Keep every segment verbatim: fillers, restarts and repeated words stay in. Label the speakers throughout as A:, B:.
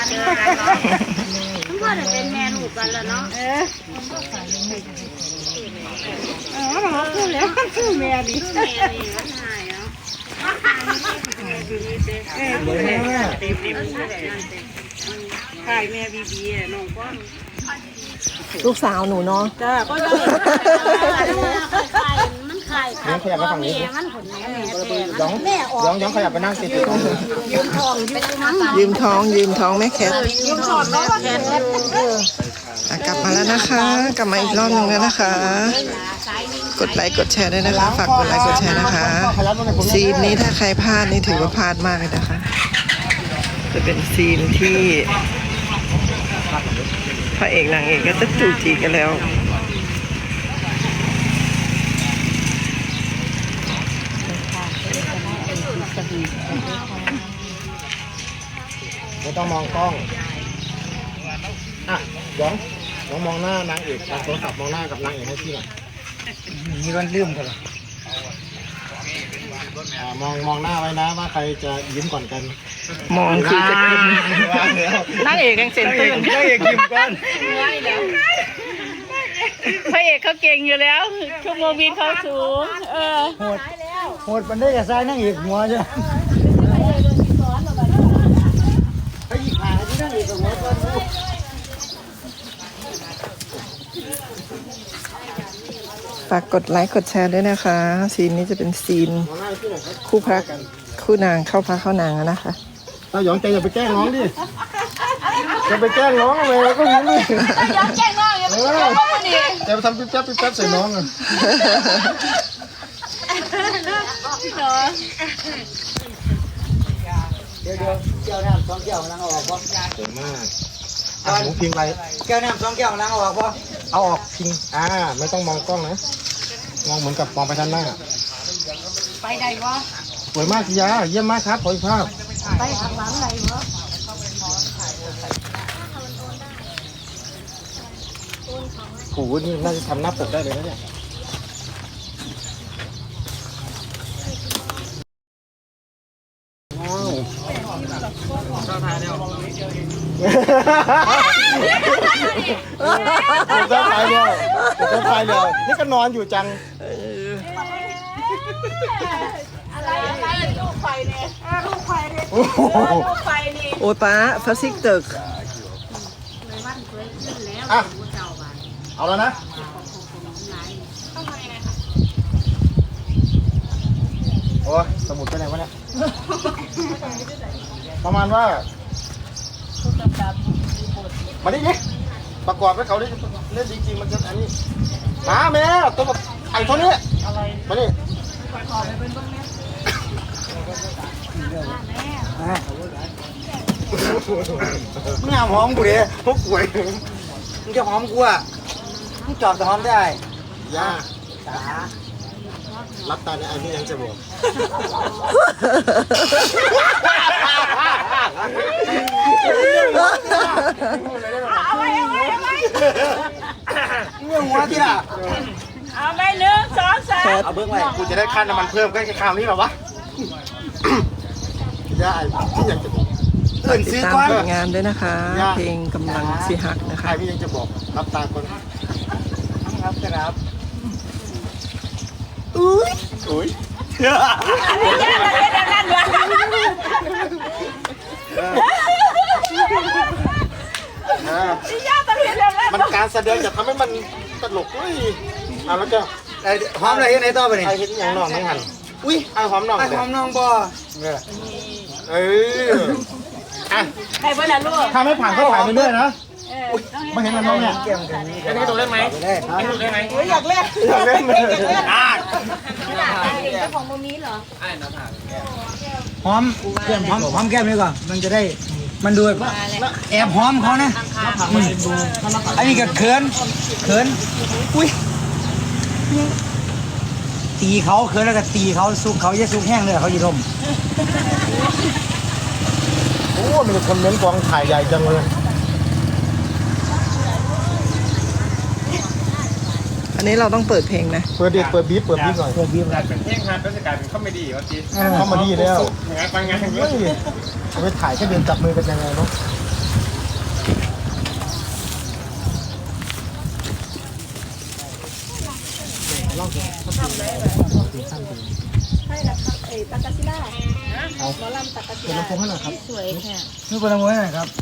A: เจอกันเนาะมันก็จะเป็นแม่ลูกกันแล้วเนาะเออเออเราคือแล้วคือแม่นี่คือแม่นี่มันหายเนาะเออแม่เต็มเต็มใช่แม่บีบีน้องก้อน
B: ลูกสาวหนูเนาะ
A: จ้าก็ได้ไข่มันไข่ค่ะขยับมาฝั่งนี้มันผลแม่แม่ย้องย้องย้องขยับไปนั่งติดยืมทอง
B: ยืมท้องยืมท้องแม่แคท
A: ยืมทองแล้วก็แคท
B: กลับมาแล้วนะคะกลับมาอีกรอบหนึ่งแล้วนะคะกดไลค์กดแชร์ด้วยนะคะฝากกดไลค์กดแชร์นะคะซีนนี้ถ้าใครพลาดนี่ถือว่าพลาดมากเลยนะคะจะเป็นซีนที่พระเอกนางเอกก็จะจูจีกันแล้ว
C: ไม่ต้องมองกล้องอ่ะย้องย้องมองหน้านางเอกโทรศัพท์มองหน้ากับนางเอกให้พี่หน่อยมีวันลืมกันมองมองหน้าไว้นะว่าใครจะยิ้มก่อนกัน
B: มองคือจะกินนางเอกยังเซ็นตื่น
C: นางเอกยิ้มก่อน
B: พระเอกเขาเก่งอยู่แล้วชั่วโมงบินเขาสูงเออ
C: โหดโหดมันได้กับซ้ายนางเอกหัวจ้ะไอ้หยิบหาที่นางเอกหัวก่อน
B: ฝากกดไลค์กดแชร์ด้วยนะคะซีนนี้จะเป็นซีนคู่พระคู่นางเข้าพระเข้านางนะคะ
C: เราหยองใจอย่าไปแกล้งน้องดิจะไปแกล้งน้องอะไรก็ยิ้มดิ
A: ย้องแกล้งน้องอย่าไปแกล้งน้องดิ
C: จะไปทำปิ๊บจับปิ๊บจับใส่น้องอ่ะเดี๋ยวเดี๋ยวเจ้าน้ำสองแก้วล้างออกป่ะเก่งมากอ่ะหมูพิงไปแก้วน้ำสองแก้วล้างออกป่ะเอาออกพิงอ่าไม่ต้องมองกล้องนะมองเหมือนกับมองไปทางหน้า
A: ไปได้วะ
C: สวยมากสิยาเยี่ยมมากครับขออีกภาพ
A: ไปข้างหลังได้วะ
C: โอ้โหนี่น่าจะทำหน้าปกได้เลยนะเนี่ยว้าวเจ้าทายเดียวเจ้าทายเดียวเจ้าทายเดียวนี่ก็นอนอยู่จัง
A: อะไรอะไรลูกไฟเนี่ยลูกไฟเนี่ยลูกไฟนี่
B: โอ้ป้าฟาซิกตึก
C: อ่ะเอาแล้วนะโอ้ยสมุดไปไหนวะเนี่ยประมาณว่ามาดิดิประกอบให้เขาได้เล่นจริงๆมันจะอันนี้มาแม่ตัวแบบไอ้ตัวนี้มาดิมึงหอมกูดิพวกกูมึงจะหอมกูอ่ะมึงจอบจะหอมได้ย่ารับตาในไอ้นี่ยังจะบอก
A: เอาไว้เอาไว้เอาไว้
C: เงื่อนหัวที่ล่ะ
A: เอาไปหนึ่งสองสาม
C: เอาเบื้องไว้กูจะได้ค่าน้ำมันเพิ่มก็แค่คราวนี้หรอวะย่าไอ้ที่ยังจะบอก
B: ติดตามผลงานด้วยนะคะเพลงกำลังสิหักนะคะ
C: ไอ้พี่ยังจะบอกรับตาคนครับครับอุ้ยอุ้ยมันการแสดงจะทำให้มันตลกอุ้ยอ่ะแล้วก็ไอ้หอมอะไรในต่อไปนี่ไอ้เห็นอย่างน้องน้องหันอุ้ยไอ้หอมน้องไอ้หอมน้องบ่เอออ่ะ
A: ใครบ้างล่ะลูก
C: ถ้าไม่ผ่านก็ผ่านไปเรื่อยนะไม่เห็นมันน้องเนี่ยอันนี้ตัวเล่นไหมอันนี้ตัวเล่นไหม
A: อยากเล่น
C: อยากเล่นเลยอ่ะ
A: เจ้าของโมมีเหรอ
C: หอมเกี่ยมหอมหอมแก้มนี่ก่อนมันจะได้มันดูแอบหอมเขานะอันนี้ก็เขินเขินอุ้ยตีเขาเขินแล้วก็ตีเขาซุกเขาจะซุกแห้งเลยเขาจะดมโอ้มีคนเม้นกองถ่ายใหญ่จังเลย
B: อันนี้เราต้องเปิดเพลงนะ
C: เปิดเด็ดเปิดบีบเปิดบีบหน่อยเปิดบีบหน่อย
D: เป็นเพลงฮาร์ดก็จะกลายเป็นคอมเมดี้วะจี
C: คอมเมดี้แล้ว
D: งานบางงานอย่างเงี้ย
C: ไปถ่ายแค่เดินจับมือกันยังไงเนาะลองดูใช่ครับไอ้ตากาซิล่าเอาหมอลำตากาซิล่าเป็นลำโพงให้หน่อยครับสวยแค่นี่เป็นลำโพงให้หน่อยครับ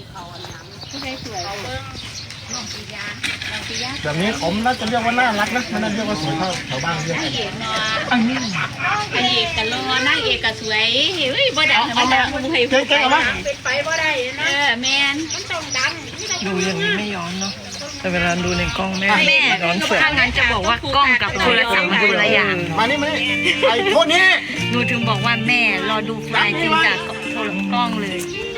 C: แบบนี้ผมน่าจะเรียกว่าน่ารักนะไม่น่าเรียกว่าสวยเท่าแถวบ้านเรียกกัน
A: อันนี้ไอเอกกับรอนางเอกกับสวยเฮ้ยบ่ได้ธรรมดาบ่ให้
C: เจ๊ๆเอามา
A: เป็นไปบ่ได้นะเออแม่นมันต้องดัง
B: ดูอย่างนี้ไม่ย้อนเนาะแต่เวลาดูในกล้องแม่
A: แม่
B: ย้อนเสือ
A: ถ้างั้นจะบอกว่ากล้องกับโทรศัพท์มันคนละอย่าง
C: มานี่มานี่ไอ้พวกนี้
A: หนูถึงบอกว่าแม่รอดูไฟล์จริงจากโทรกล้องเลย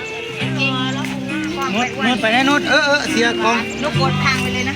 C: นุดนุดไปแน่นุดเออเออเสียกอง
A: ลูกกดทางไปเลยนะ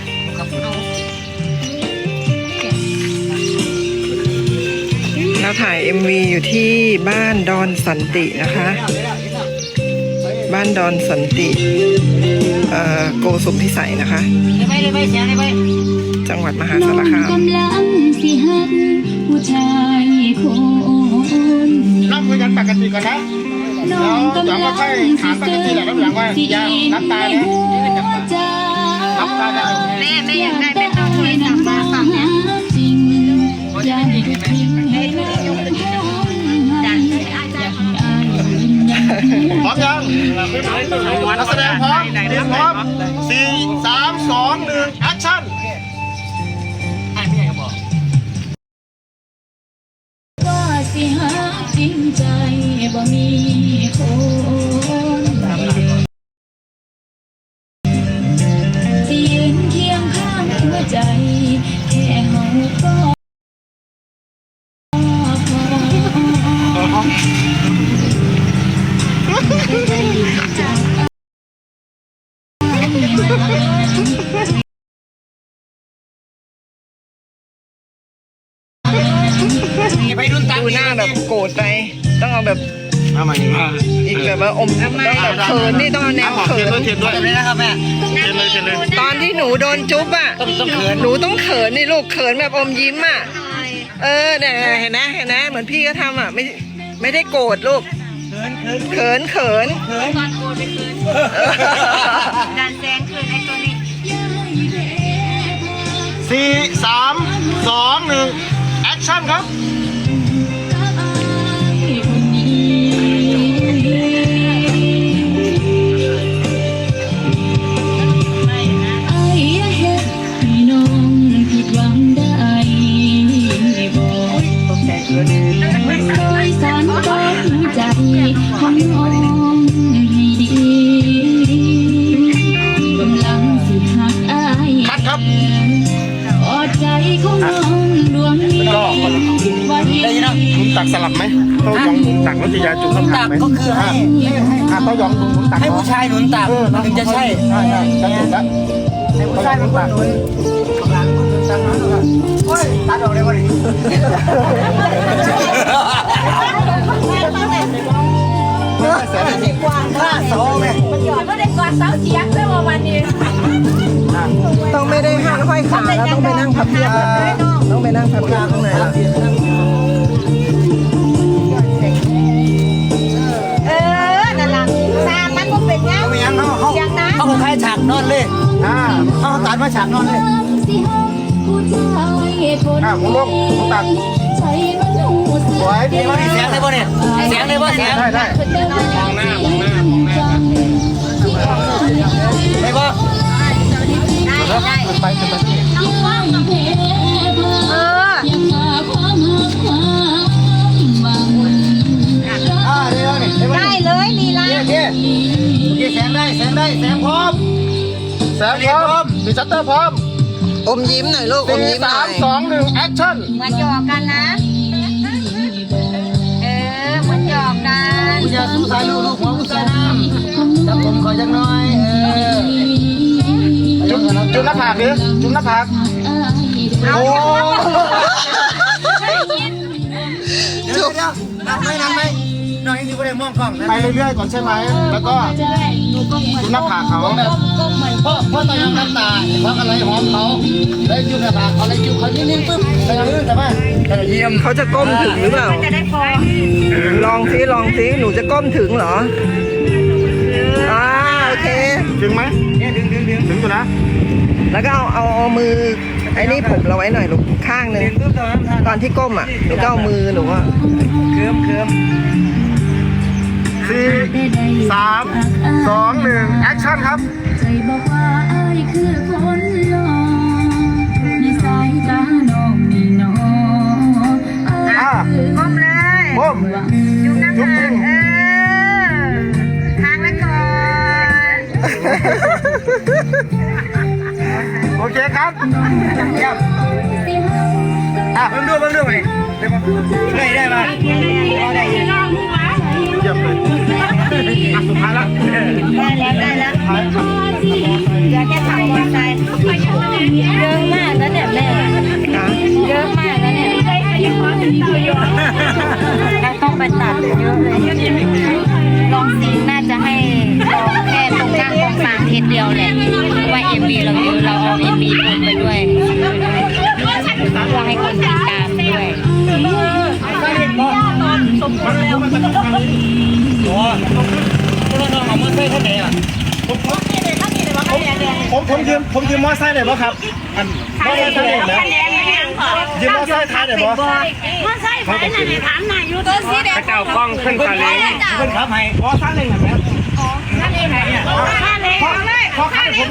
B: เราถ่าย เอ็ม วี อยู่ที่บ้านดอนสันตินะคะ บ้านดอนสันติเอ่อโกสุมพิสัยนะคะ
A: ไปเลยไปเสียงเลยไป
B: จังหวัดมหาสารคาม
E: กำลังสิหักผู้ชายคน
C: นั่งคุยกันปกติก่อนนะแล้วเดี๋ยวก็ค่อยถามปกติแหละแล้วหลังว่าอย่าน้ำตาเนี่ยน้ำตาเนี่ย
A: แม่แม่อยากได้เป็นน้องให้น้ำมาฟังเนี่ย
E: จริงอย่าให้ทิ้งให้ลงอย่าให้อาย
C: พร้อมยังนักแสดงพร้อมพร้อมสี่สามสองหนึ่งแอคชั่น
E: ว่าสิหักจริงใจบ่มีคนสิยืนเคียงข้างหัวใจแค่เฮาก็
B: ดูหน้าแบบโกรธไป ต้องเอาแบบ
C: เอามาอย่างนี้
B: อีกแบบว่าอมต้องแบบเขินนี่ต้องเอาแนว
C: ขอ
B: เขิ
C: เทียน
B: น
C: ด้วยเทียนด้วยเลยนะครับแม่เทียนเลยเทียนเลย
B: ตอนที่หนูโดนจุ๊บอ่ะหนูต้องเขินนี่ลูกเขินแบบอมยิ้มอ่ะเออเนี่ยเห็นไหมเห็นไหมเหมือนพี่ก็ทำอ่ะไม่ไม่ได้โกรธลูกเขินเขิน
A: ตอนโกนไปคืนดันแซงคืนไอ้ตัวนี้
C: สี่สามสองหนึ่งแอคชั่นครับ
E: ของน้องให้ดีกำลังสิหักอาย
C: คัดครับ
E: อดใจของน้องดวงนี้ไว้
C: ได้ยินนะหนุนตักสลับไหมเต้ายองหนุนตักแล้วจะยาจุ่มตักก็คือให้ให้เต้ายองหนุนตักให้ผู้ชายหนุนตักถึงจะใช่ใช่ใช่จะถูกแล้วให้ผู้ชายหนุนตักโอ้ยตัดออกเลยวันนี้ข้าโซ่ไง
A: มันหยอดก็ได้กอดเสาเสียงเลยว่าวันนี้
B: ต้องไม่ได้ห้างห้อยขาแล้วต้องไปนั่งพับเพียบต้องไปนั่งพับเพียบข้างในละ
A: เออนั่นล่ะตามมันก็เป็นยัง
C: ไม่ยังเขาเขา
A: อย่างนั้น
C: เขาคล้ายฉากนอนเลยอ่าเขาตัดมาฉากนอนเลย
E: สิหักผู้ชายคน
C: อ่าผมลงผมตัด
E: ใจมันหูสึ
C: สวยดีมากเสียงได้ป่ะเนี่ยเสียงได้ป่ะเสียงได้ได้
E: มองหน้ามองหน้ามองหน้า
C: ได้ป่ะ
A: ได้ได้
C: ไปขึ้นไป
E: ที่ว่างเพเพอยังมาความหักความหวัง
C: อ่าเดี๋ยวนี่
A: ได้เลยลีลา
C: โอเคโอเคแสงได้แสงได้แสงพร้อมแสงพร้อมมีชัตเตอร์พร้อม
B: อมยิ้มหน่อยลูกอม
C: สี่
B: ยิ้มห
C: สา
B: น่อ
C: ม
B: ย
C: สองหนึ่งแอคชั่น
A: เหมือนหยอกกันนะ เออเหมือนหยอกกัน
C: ผู้ชายสู้สายลูกลูกหัวผู้ชายน้ำจับผมขอจังน้อยเออจุดจุดหน้าผากดิจุดหน้าผากโอ้เดี๋ยวเดี๋ยวนั่งไหมนั่งไหมน้อยนี่ก็ได้มองกล้องไปเรื่อยๆก่อนใช่ไหมแล้วก็จุดหน้าผากเขาเพราะเพราะตอนยังน้ำตาเพราะอะไรหอมเขาแล้วจุดหน้าผากเขาแล้วจุดเขานิ่งๆปึ๊บแต่ยังลื่นแต่ว่าแต่เยี่ยม
B: เขาจะก้มถึงหรือเปล่า
A: จะได้พอ
B: ลองซิลองซิหนูจะก้มถึงเหรออ่าโอเค
C: ถึงไหมเนี่ยถึงถึงถึงถึงอยู่นะ
B: แล้วก็เอาเอาเอามือไอ้นี่ผมเราไว้หน่อยลูกข้างหนึ่งตอนที่ก้มอ่ะหนูก็เอามือหนูว่า
C: เคิมเคิมสี่สามสองหนึ่งแอคชั่นครับ
E: ใจบอกว่าไอ้คือคนหล่อในสายตาน้องนี่น้องไอ้คือ
C: ก้มจุ๊บน้ำมันเออทางละก่อนโอเคครับครับอ่ะเพิ่มด้วยเพิ่มด้วยไหมได้ได้ไหมได้เยี่ยมเลยอ่ะสุดท้ายละได้แล้วได้แล้วอยากแค่ขับมอเตอร์ไซค์เยอะมากแล้วเนี่ยแม่เยอะมากแล้วเนี่ยต้องไปตัดเยอะเลยลองซีน่าจะให้ลองแค่ตรงหน้าตรงกลางเทสเดียวแหละเพราะว่าเอ็มบีเราเยอะเราเอาเอ็มบีคนไปด้วยเพื่อให้คนติดตามด้วยผมผมยืมผมยืมมอไซค์หน่อยป่ะครับอันมอไซค์หน่อยนะยืมมอไซค์ท้ายหน่อยป่ะ
A: มาใส่ไฟหน่อยถามหน่อยอยู่ตัวสีแดง
D: เจ้ากล้องขึ้นคาเลง
C: เพื่อนครับให้มอไซค์หนึ่งหน่อยไหม
A: ท่านเองไหนเนี่ยท่านเอง
C: พอข้าผม